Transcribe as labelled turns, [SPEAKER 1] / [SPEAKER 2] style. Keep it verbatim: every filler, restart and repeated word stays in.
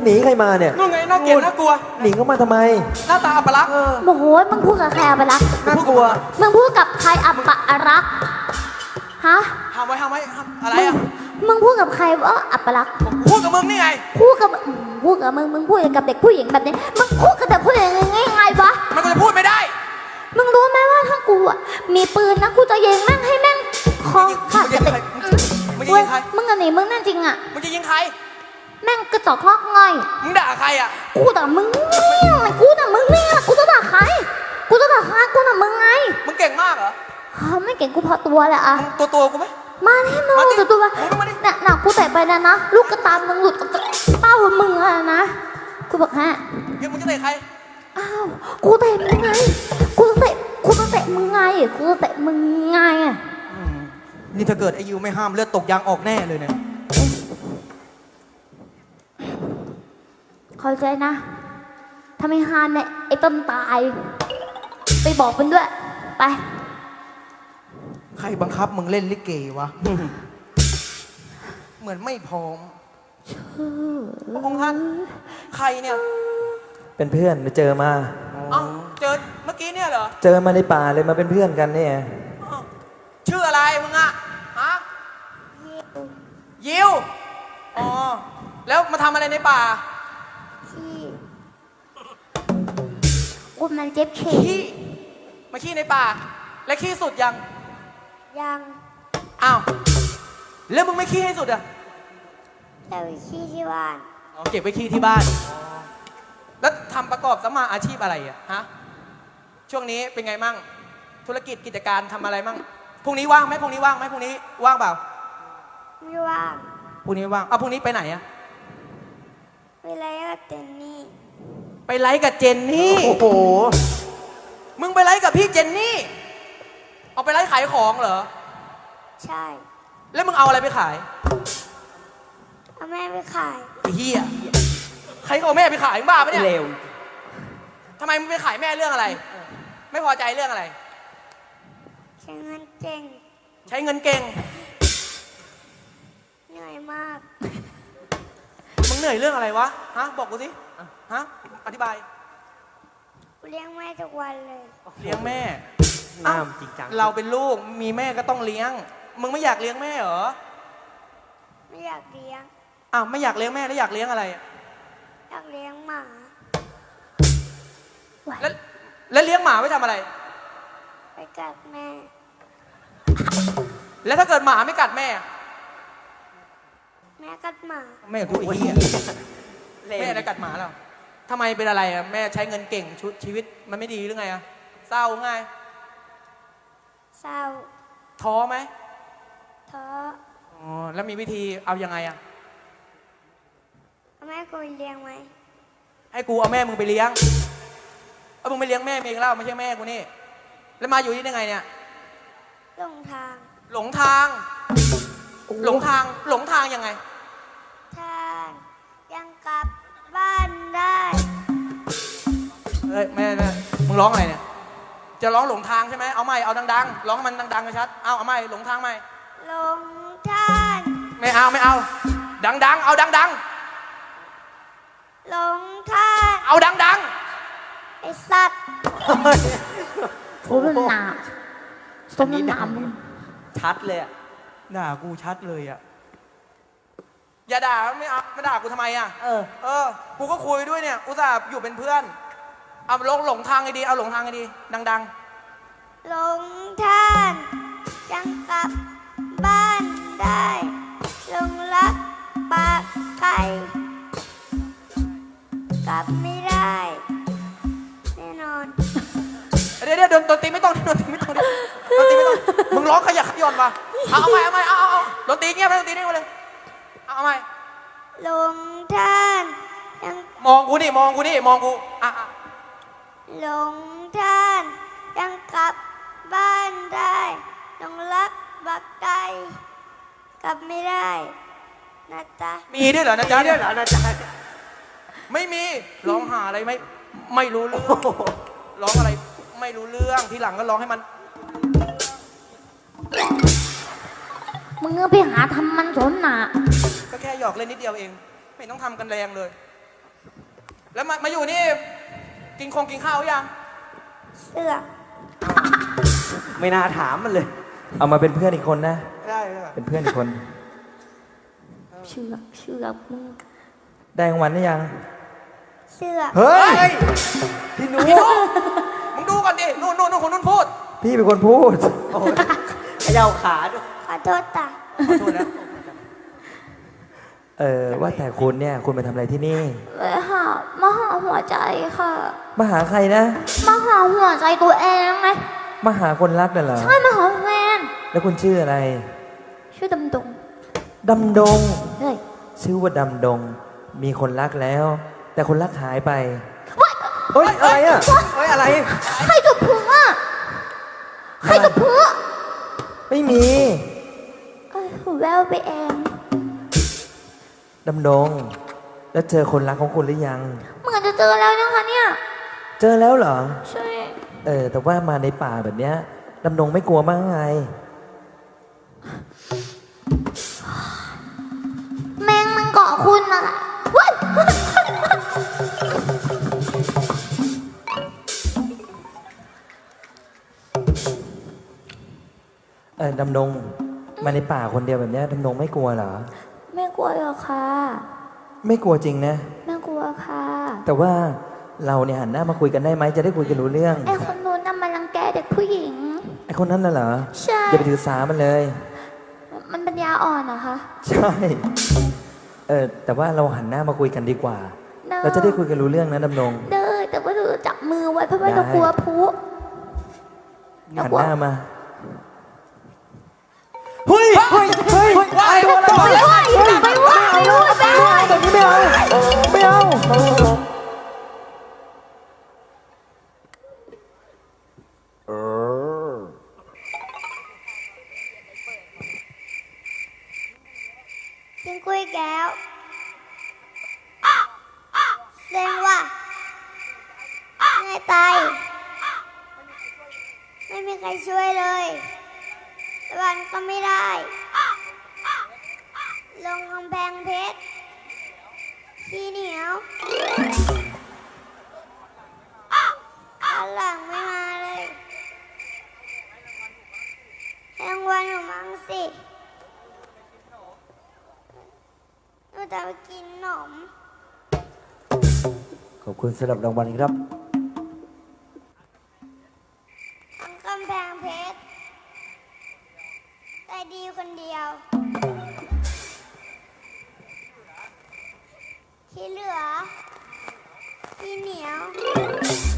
[SPEAKER 1] หนีใครมาเนี่ย
[SPEAKER 2] นู่นไงน่าเกลียดน่ากลัว
[SPEAKER 1] หนีเข้ามาทำไม
[SPEAKER 2] หน้าตาอัปลักษณ์
[SPEAKER 3] โมโหมึงพูดกับใครอัปลักษณ์
[SPEAKER 2] น่ากลัว
[SPEAKER 3] มึงพูดกับใครอัปลักษณ์ฮะ
[SPEAKER 2] ห้ามไว้ห้ามไว้อะไรอ่ะ
[SPEAKER 3] มึงพูดกับใครว่าอัปลักษณ์
[SPEAKER 2] พูดกับมึงนี่ไง
[SPEAKER 3] พูดกับพูดกับมึงมึงพูดกับเด็กผู้หญิงแบบนี้มึงพูดกับเด็กผู้หญิงยังไงไงวะ
[SPEAKER 2] มันก็จะพูดไม่ได้
[SPEAKER 3] มึงรู้ไหมว่าถ้ากูอ่ะมีปืนนะกูจะยิงแม่งให้แม่งคอขาดเลย
[SPEAKER 2] มึงจะยิงใคร
[SPEAKER 3] มึงอันนี้มึงนั่นจริงอ่ะ
[SPEAKER 2] มึงจะยิงใคร
[SPEAKER 3] แม่งกระจอกลอกง่อย
[SPEAKER 2] มึงด่าใครอ่ะ
[SPEAKER 3] กูด่ามึงเนี่ยกูด่ามึงเนี่ยกูจะด่าใครกูจะด่าใครกูด่ามึงไง
[SPEAKER 2] มึงเก่งมากเหรอ
[SPEAKER 3] ไม่เก่งกูพอตัวแหละอะ
[SPEAKER 2] ตัวตัวกูไหม
[SPEAKER 3] มาแน่นอนตัวตัวเนี่ยหนักกูแตะไปนะนะลูกกระตามึงหลุดเต้ามึงอะนะกูบอกฮะ
[SPEAKER 2] ยังมึงจะเตะใคร
[SPEAKER 3] อ้าวกูเตะมึงไงกูจะเตะกูจะเตะมึงไงกูจะเตะมึงไงอะ
[SPEAKER 2] นี่ถ้าเกิดไอยูไม่ห้ามเลือดตกยางออกแน่เลยเนี่ย
[SPEAKER 3] เข้าใจนะถ้าไม่ห้ามเนี่ยไอ้ต้นตายไปบอกมันด้วยไป
[SPEAKER 2] ใครบังคับมึงเล่นลิเกวะเหมือนไม่พร้อมพระองค์ท่านใครเนี่ย
[SPEAKER 1] เป็นเพื่อนไปเจอมา
[SPEAKER 2] เอ้าเจอเมื่อกี้เนี่ยเหรอ
[SPEAKER 1] เจอมาในป่าเลยมาเป็นเพื่อนกันเนี่ย
[SPEAKER 2] ชื่ออะไรมึงอะฮะยิวอ๋อแล้วมาทำอะไรในป่า
[SPEAKER 3] ขี้กูมันเจ็บเข่
[SPEAKER 2] ขี้มาขี้ในป่าและขี้สุดยัง
[SPEAKER 3] ยัง
[SPEAKER 2] อ้าวแล้วมึงไม่ขี้ให้สุดอะ
[SPEAKER 3] แต่ไปขี้ที่บ้าน
[SPEAKER 2] อ๋อเก็บไว้ขี้ที่บ้านแล้วทำประกอบสมาอาชีพอะไรอะฮะช่วงนี้เป็นไงมั่งธุรกิจกิจการทำอะไรมั่งพรุ่งนี้ว่างไหมพรุ่งนี้ว่างไหมพรุ่งนี้ว่างเปล่า
[SPEAKER 3] ไม่ว่าง
[SPEAKER 2] พรุ่งนี้ว่างเอาพรุ่งนี้ไปไหนอะ
[SPEAKER 3] ไปไลฟ์กับเจนนี่
[SPEAKER 2] ไปไลฟ์กับเจนนี่โอ้โหมึงไปไลฟ์กับพี่เจนนี่เอาไปไลฟ์ขายของเหรอ
[SPEAKER 3] ใช่
[SPEAKER 2] แล้วมึงเอาอะไรไปขาย
[SPEAKER 3] เอาแม่ไปขาย
[SPEAKER 2] ไอ้เหี้ยใครเอาแม่ไปขายมึงบ้าปะเนี่ย
[SPEAKER 1] เร็ว
[SPEAKER 2] ทำไมมึงไปขายแม่เรื่องอะไรไม่พอใจเรื่องอะไร
[SPEAKER 3] ใช้เงินเก่ง
[SPEAKER 2] ใช้เงินเก่ง
[SPEAKER 3] เหนื่อยมาก
[SPEAKER 2] มึงเหนื่อยเรื่องอะไรวะฮะบอกกูสิฮะอธิบาย
[SPEAKER 3] เลี้ยงแม่ทุกวันเลย
[SPEAKER 2] เลี้ยงแม่น้ำจริงจังเราเป็นลูกมีแม่ก็ต้องเลี้ยงมึงไม่อยากเลี้ยงแม่เหรอ
[SPEAKER 3] ไม่อยากเลี้ยง
[SPEAKER 2] อ้าวไม่อยากเลี้ยงแม่แล้วอยากเลี้ยงอะไร
[SPEAKER 3] อยากเลี้ยงหมา
[SPEAKER 2] แล้วแล้วเลี้ยงหมาไว้ทำอะไร
[SPEAKER 3] ไปกัดแม่
[SPEAKER 2] แล้วถ้าเกิดหมาไม่กัดแม่
[SPEAKER 3] แม่กัดหมา
[SPEAKER 2] แม่กูไอ้เหี้ยแม่ได้กัดหมาแล้วทำไมเป็นอะไรอ่ะแม่ใช้เงินเก่งชุดชีวิตมันไม่ดีหรือไงอ่ะเศร้าไง
[SPEAKER 3] เศร้า
[SPEAKER 2] ท้อไหม
[SPEAKER 3] ท้อ
[SPEAKER 2] อ๋อแล้วมีวิธีเอายังไงอ่ะ
[SPEAKER 3] แม่กูเลี้ยงไหม
[SPEAKER 2] ให้กูเอาแม่มึงไปเลี้ยงเอามึงไปเลี้ยงแม่เองแล้วไม่ใช่แม่กูนี่แล้วมาอยู่ที่ได้ไงเนี่ย
[SPEAKER 3] หลงทาง
[SPEAKER 2] หลงทางหลงทางหลงทางยังไง
[SPEAKER 3] ทางยังกลับบ้านได้
[SPEAKER 2] เฮ้ยแม่แม่มึงร้องอะไรเนี่ยจะร้องหลงทางใช่ไหมเอาใหม่เอาดังๆร้องมันดังๆชัดเอาเอาใหม่หลงทางใหม่
[SPEAKER 3] หลงทาง
[SPEAKER 2] ไม่เอาไม่เอาดังๆเอาดัง
[SPEAKER 3] ๆหลงทาง
[SPEAKER 2] เอาดัง
[SPEAKER 3] ๆไอ้สัตว์โอ้ยหนาสมน้ำ
[SPEAKER 1] ชัดเลยอ่ะ
[SPEAKER 2] ด่ากูชัดเลยอ่ะอย่าด่าไม่เอาไม่ด่ากูทำไมอ่ะ
[SPEAKER 1] เออ
[SPEAKER 2] เออกูก็คุยด้วยเนี่ยอุตส่าห์อยู่เป็นเพื่อนเอาลงหลงทางไงดีเอาหลงทางไงดีดัง
[SPEAKER 3] ๆหลงทางยังกลับบ้านได้หลงรักปากไก่กลับไม่ได้แน่นอน
[SPEAKER 2] เดี๋ยวเดี๋ยวดนตรีไม่ต้องดนตรีไม่ต้องดนตรีไม่ต้องมึงร้องขยักขย่อนมาเอาเอาใหม่เอาใหม่เอาเอาดนตรีเงียบดนตรีนี่มาเลยเอาใหม่
[SPEAKER 3] หลงทางยัง
[SPEAKER 2] มองกูนี่มองกูนี่มองกูอ่ะ
[SPEAKER 3] หลงทางยังกลับบ้านได้หลงรักบักไก่กลับไม่ได้นะจ๊ะ
[SPEAKER 2] มีด้วยเหรอนะจ๊ะ
[SPEAKER 1] ด้วยเหรอนะจ๊ะ
[SPEAKER 2] ไม่มีร้องหาอะไรไม่ไม่รู้เรื่องร้องอะไรไม่รู้เรื่องทีหลังก็ร้องให้มัน
[SPEAKER 3] มึงไปหาทำมันสนหนา
[SPEAKER 2] ก็แค่หยอกเล่นนิดเดียวเองไม่ต้องทำกันแรงเลยแล้วมามาอยู่นี่ กินคงกินข้าวหรือยัง
[SPEAKER 3] เสือก
[SPEAKER 4] ไม่น่าถามมันเลย
[SPEAKER 1] เอามาเป็นเพื่อนอีกคนนะ
[SPEAKER 2] ได้ได้
[SPEAKER 1] เป็นเพื่อนอีกคน
[SPEAKER 3] เสือกเสือกมึง
[SPEAKER 1] ได้รางวัลหรือยัง
[SPEAKER 3] เสือก
[SPEAKER 1] เฮ้ย
[SPEAKER 2] เฮ้ย
[SPEAKER 1] พี่หนู
[SPEAKER 2] พี่นุมึงดูก่อนดิ นู่นนู่นนู่นคนนู้นพูด
[SPEAKER 1] พี่เป็นคนพูด
[SPEAKER 4] เขย่าขาด้วย
[SPEAKER 3] ขอโทษตา
[SPEAKER 2] ขอโทษแล้ว
[SPEAKER 1] เออว่าแต่คุณเนี่ยคุณมาทำอะไรที่นี่
[SPEAKER 3] ไปหามาหาหัวใจค่ะ
[SPEAKER 1] มาหาใครนะ
[SPEAKER 3] มาหาหัวใจตัวเองไง
[SPEAKER 1] มาหาคนรักน่ะเหรอ
[SPEAKER 3] ใช่มาหาแฟน
[SPEAKER 1] แล้วคุณชื่ออะไร
[SPEAKER 3] ชื่อดำดง
[SPEAKER 1] ดำดง
[SPEAKER 3] เฮ้ย
[SPEAKER 1] ชื่อว่าดำดง มีคนรักแล้ว แต่คนรักหายไป เฮ้ย อะไรอ่ะ
[SPEAKER 2] เฮ้ย อะไร
[SPEAKER 3] ใครกับผัวใครกับผัว
[SPEAKER 1] ไม่มี
[SPEAKER 3] เอ้ยแววไปเอง
[SPEAKER 1] ดำดง แล้วเจอคนรักของคุณหรือยัง
[SPEAKER 3] เหมือนจะเจอแล้วนะคะเนี่ย
[SPEAKER 1] เจอแล้วเหรอ
[SPEAKER 3] ใช่
[SPEAKER 1] เออ แต่ว่ามาในป่าแบบเนี้ยดำดงไม่กลัวมากไง
[SPEAKER 3] แมงมันเกาะคุณน่ะว้าย
[SPEAKER 1] เออดำดง มาในป่าคนเดียวแบบเนี้ยดำดงไม่กลัวเหรอ
[SPEAKER 3] ไม่กลัวหรอกค่ะ
[SPEAKER 1] ไม่กลัวจริงนะ
[SPEAKER 3] ไม่กลัวค่ะ
[SPEAKER 1] แต่ว่าเราเนี่ยหันหน้ามาคุยกันได้ไหมจะได้คุยกันรู้เรื่อง
[SPEAKER 3] ไอ้คนนู้นน่ะมันรังแกเด็กผู้หญิง
[SPEAKER 1] ไอคนนั้นน่ะเหรอ
[SPEAKER 3] ใช่
[SPEAKER 1] อย่าไปถือสามันเลย
[SPEAKER 3] มันปัญญาอ่อนเหรอคะ
[SPEAKER 1] ใช่ เออแต่ว่าเราหันหน้ามาคุยกันดีกว่า
[SPEAKER 3] เนอะ
[SPEAKER 1] เราจะได้คุยกันรู้เรื่องนะดำดง
[SPEAKER 3] เด้อแต่ว่าเราจับมือไว้เพราะว่า
[SPEAKER 1] ได้
[SPEAKER 3] เรากลัวพุ
[SPEAKER 1] หันหน้ามา เฮ้ย เฮ้ย เฮ้ย
[SPEAKER 2] ว่า
[SPEAKER 1] ตัวอะไร
[SPEAKER 2] ไป
[SPEAKER 1] วะ
[SPEAKER 2] ว่า
[SPEAKER 3] ไปว่าไปว่าไปว่า
[SPEAKER 1] แบบนี้ไม่เอา ไม่เอา
[SPEAKER 3] กินกล้วยแก้วเซ็งว่ะง่ายตายไม่มีใครช่วยเลยวันก็ไม่ได้ ลงกำแพงเพชรขี้เหนียวข้างหลังไม่มาเลยแองวันหนูมั้งสิหนูจะไปกินขนม
[SPEAKER 4] ขอบคุณสำหรับรางวัลครับ
[SPEAKER 3] กำแพงเพชรใจดีคนเดียว ที่เหลือที่เหนียว